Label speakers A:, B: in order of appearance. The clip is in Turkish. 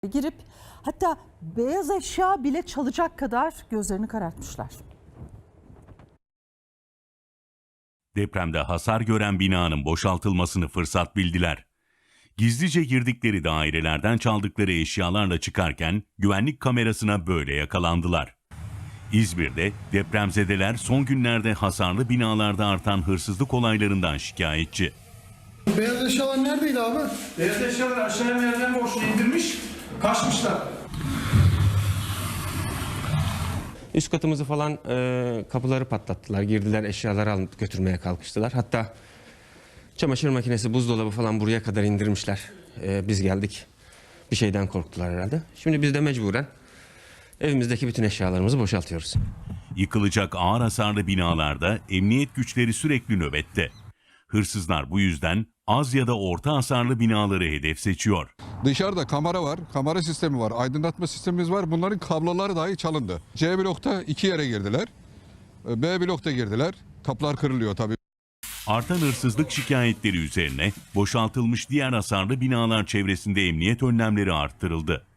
A: girip hatta beyaz eşya bile çalacak kadar gözlerini karartmışlar.
B: Depremde hasar gören binanın boşaltılmasını fırsat bildiler. Gizlice girdikleri dairelerden çaldıkları eşyalarla çıkarken güvenlik kamerasına böyle yakalandılar. İzmir'de depremzedeler son günlerde hasarlı binalarda artan hırsızlık olaylarından şikayetçi.
C: Beyaz eşyalar neredeydi abi?
D: Beyaz eşyalar aşağıya merdiven boşluğu indirmiş, kaçmışlar.
E: Üst katımızı falan kapıları patlattılar. Girdiler, eşyaları alıp götürmeye kalkıştılar. Hatta çamaşır makinesi, buzdolabı falan buraya kadar indirmişler. Biz geldik. Bir şeyden korktular herhalde. Şimdi biz de mecburen evimizdeki bütün eşyalarımızı boşaltıyoruz.
B: Yıkılacak ağır hasarlı binalarda emniyet güçleri sürekli nöbette. Hırsızlar bu yüzden az ya da orta hasarlı binaları hedef seçiyor.
F: Dışarıda kamera var, kamera sistemi var, aydınlatma sistemimiz var. Bunların kabloları dahi çalındı. C blokta 2 yere girdiler. B blokta girdiler. Kapılar kırılıyor tabii.
B: Artan hırsızlık şikayetleri üzerine boşaltılmış diğer hasarlı binalar çevresinde emniyet önlemleri arttırıldı.